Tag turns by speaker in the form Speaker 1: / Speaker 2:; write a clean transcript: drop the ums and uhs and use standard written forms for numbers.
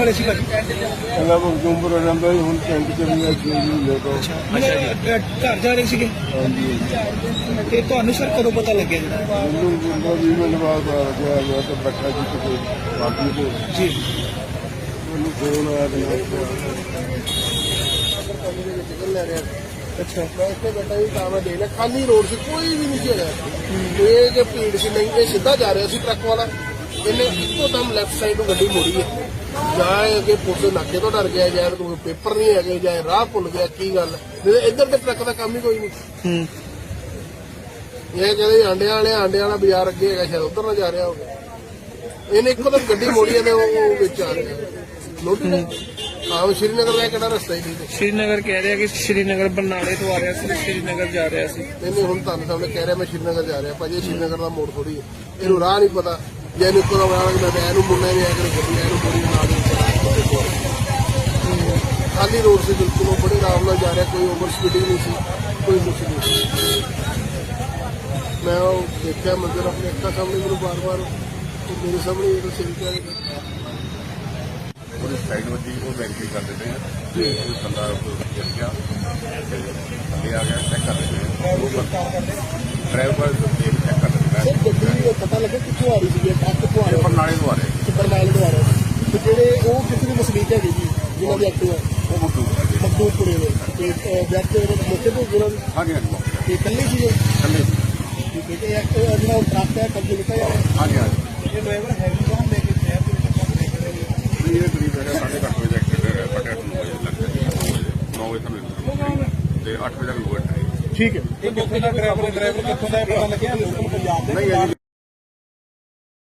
Speaker 1: ਵਾਲੇ ਸੀ ਭਾਜੀ?
Speaker 2: ਪਹਿਲਾਂ ਮਖਦੂਮਪੁਰ ਰਹਿੰਦਾ ਸੀ, ਹੁਣ ਪਿੰਡ ਚ ਵੀ ਲੈ ਤੋਂ।
Speaker 1: ਘਰ ਜਾ ਰਹੇ ਸੀਗੇ
Speaker 2: ਹਾਂਜੀ
Speaker 1: ਤੇ ਤੁਹਾਨੂੰ ਸਰ ਕਦੋਂ ਪਤਾ ਲੱਗਿਆ ਜੀ?
Speaker 2: ਮੈਨੂੰ 20 ਮਿੰਟ ਬਾਅਦ ਪਤਾ ਲੱਗਿਆ। ਮੈਂ ਤਾਂ ਬੈਠਾ ਸੀ ਕਿਤੇ ਬਾਕੀ ਤੇ
Speaker 1: ਜੀ
Speaker 2: ਮੈਨੂੰ ਫੋਨ ਆਇਆ ਤੇ ਲੈ ਰਿਹਾ।
Speaker 1: ਅੱਛਾ
Speaker 2: ਮੈਂ ਇੱਥੇ ਬੈਠਾ ਸੀ ਤਾਂ ਮੈਂ ਦੇਖ ਲਿਆ ਖਾਲੀ ਰੋਡ ਸੀ, ਕੋਈ ਵੀ ਨਹੀਂ ਸੀ ਹੈਗਾ। ਇਹ ਜੇ ਭੀੜ ਸੀ ਨਹੀਂ, ਇਹ ਸਿੱਧਾ ਜਾ ਰਿਹਾ ਸੀ ਟਰੱਕ ਵਾਲਾ। ਇਹਨੇ ਇੱਕੋ ਦਮ ਲੈਫਟ ਸਾਈਡ ਨੂੰ ਗੱਡੀ ਮੋੜੀ ਹੈ। ਜਾਂ ਅੱਗੇ ਪੁਲਿਸ ਨਾਕੇ ਤੋਂ ਡਰ ਗਿਆ, ਜਾਂ ਕੋਈ ਪੇਪਰ ਨਹੀਂ ਹੈਗੇ, ਜਾਂ ਰਾਹ ਭੁੱਲ ਗਿਆ, ਕੀ ਗੱਲ ਨਹੀਂ। ਇੱਧਰ ਤੇ ਟਰੱਕ ਦਾ ਕੰਮ ਹੀ ਕੋਈ ਨਹੀਂ। ਇਹ ਕਹਿੰਦੇ ਆਂਡਿਆਂ ਵਾਲਾ ਬਾਜ਼ਾਰ ਅੱਗੇ ਹੈਗਾ, ਸ਼ਾਇਦ ਉੱਧਰ ਨਾ ਜਾ ਰਿਹਾ ਹੋਵੇ। ਇਹਨੇ ਇੱਕੋ ਦਮ ਗੱਡੀ ਮੋੜੀ ਹੈ ਤੇ ਉਹ ਵਿੱਚ ਆ ਰਿਹਾ ਲੋਟੀ ਨੇ। ਆਹ ਸ਼੍ਰੀਨਗਰ ਦਾ ਕਿਹੜਾ ਰਸਤਾ ਹੀ ਨਹੀਂ।
Speaker 1: ਸ਼੍ਰੀਨਗਰ ਕਹਿ ਰਿਹਾ ਕਿ ਸ਼੍ਰੀਨਗਰ ਬਰਨਾਲੇ ਤੋਂ ਆ ਰਿਹਾ ਸੀ, ਸ਼੍ਰੀਨਗਰ ਜਾ ਰਿਹਾ ਸੀ।
Speaker 2: ਨਹੀਂ ਹੁਣ ਤੁਹਾਨੂੰ ਸਾਹਮਣੇ ਕਹਿ ਰਿਹਾ ਮੈਂ ਸ਼੍ਰੀਨਗਰ ਜਾ ਰਿਹਾ। ਭਾਜੀ ਸ਼੍ਰੀਨਗਰ ਦਾ ਮੋੜ ਥੋੜੀ ਹੈ, ਇਹਨੂੰ ਰਾਹ ਨਹੀਂ ਪਤਾ। ਜੇ ਇਹਨੂੰ ਇੱਕੋ ਦਮ ਮੈਂ ਇਹਨੂੰ ਮੁੰਨਾ ਨਹੀਂ ਆਇਆ ਕਿ ਗੱਡੀ ਇਹਨੂੰ ਬੜੀ ਬਣਾ ਦੇ। ਖਾਲੀ ਰੋਡ ਸੀ ਬਿਲਕੁਲ, ਉਹ ਬੜੇ ਆਰਾਮ ਨਾਲ ਜਾ ਰਿਹਾ, ਕੋਈ ਓਵਰ ਸਪੀਡਿੰਗ ਨਹੀਂ ਸੀ, ਕੋਈ ਕੁਛ ਨਹੀਂ। ਮੈਂ ਉਹ ਦੇਖਿਆ ਮੰਜ਼ਰ ਆਪਣੇ ਅੱਖਾਂ ਸਾਹਮਣੇ, ਮੈਨੂੰ ਬਾਰ-ਬਾਰ ਮੇਰੇ ਸਾਹਮਣੇ ਇਹ ਸਹੀ ਕਹਿ ਰਿਹਾ।
Speaker 3: ਉਹਦੀ ਸਾਈਡ ਵੱਜੀ, ਉਹ ਵੈਰੀਫਾਈ ਕਰ ਦਿੰਦੇ ਆ ਤੇ ਉਹ ਬੰਦਾ ਗਿਰ ਗਿਆ ਤੇ ਥੱਲੇ ਆ ਗਿਆ। ਚੈੱਕ ਕਰ ਦਿੰਦੇ ਡਰਾਈਵਰ ਚੈੱਕ ਕਰ ਦਿੰਦਾ।
Speaker 2: ਸਰ ਗੱਡੀ ਪਤਾ ਲੱਗਾ ਕਿੱਥੋਂ ਆ ਰਹੀ ਸੀ? ਕਿੱਥੋਂ ਆ ਰਿਹਾ?
Speaker 3: ਬਰਨਾਲੇ ਤੋਂ ਆ ਰਹੇ।
Speaker 2: ਬਰਨਾਲੇ ਤੋਂ ਆ ਰਿਹਾ ਤੇ ਜਿਹੜੇ ਉਹ ਕਿਸੇ ਦੇ ਵਸਨੀਕ ਹੈਗੇ ਜੀ ਜਿਹਨਾਂ ਦੀ ਐਕਟਿਵਾ
Speaker 3: ਉਹ
Speaker 2: ਮਖਦੂਮਪੁਰੇ ਦੇ ਤੇ ਵਿਅਕਤੀ ਉਹਦੇ ਮੌਕੇ ਤੋਂ ਉਹਨਾਂ ਦੀ
Speaker 3: ਹਾਂਜੀ ਹਾਂਜੀ
Speaker 2: ਤੇ ਇਕੱਲੇ ਸੀਗੇ।
Speaker 3: ਥੱਲੇ
Speaker 2: ਠੀਕ ਹੈ ਤੇ ਜਿਹੜਾ ਟਰੱਕ ਹੈ ਕਬਜ਼ੇ ਲਿਖਿਆ ਜਾ ਰਿਹਾ।
Speaker 3: ਹਾਂਜੀ ਹਾਂਜੀ
Speaker 2: ਇਹ ਡਰਾਈਵਰ ਹੈਵੀ ਕੌਣ ਲੈ ਕੇ ਸ਼ਹਿਰ ਦੇ ਵਿੱਚ
Speaker 3: ਇਹ ਕਰੀਬ ਹੈਗਾ 8:30 ਵਜੇ ਐਕਸੀਡੈਂਟ ਹੈ। 9 ਵਜੇ ਲੱਗ 9 ਵਜੇ ਸਾਨੂੰ ਤੇ 8 ਵਜੇ ਤੱਕ ਲੋਡ ਹੈ।
Speaker 2: ਠੀਕ ਹੈ। ਇਹ ਕਿੱਥੋਂ ਦਾ ਡਰਾਈਵਰ ਕਿੱਥੋਂ ਦਾ ਪਤਾ ਲੱਗਿਆ? ਲੋਕਲ ਪੰਜਾਬ ਦੇ।
Speaker 3: ਨਹੀਂ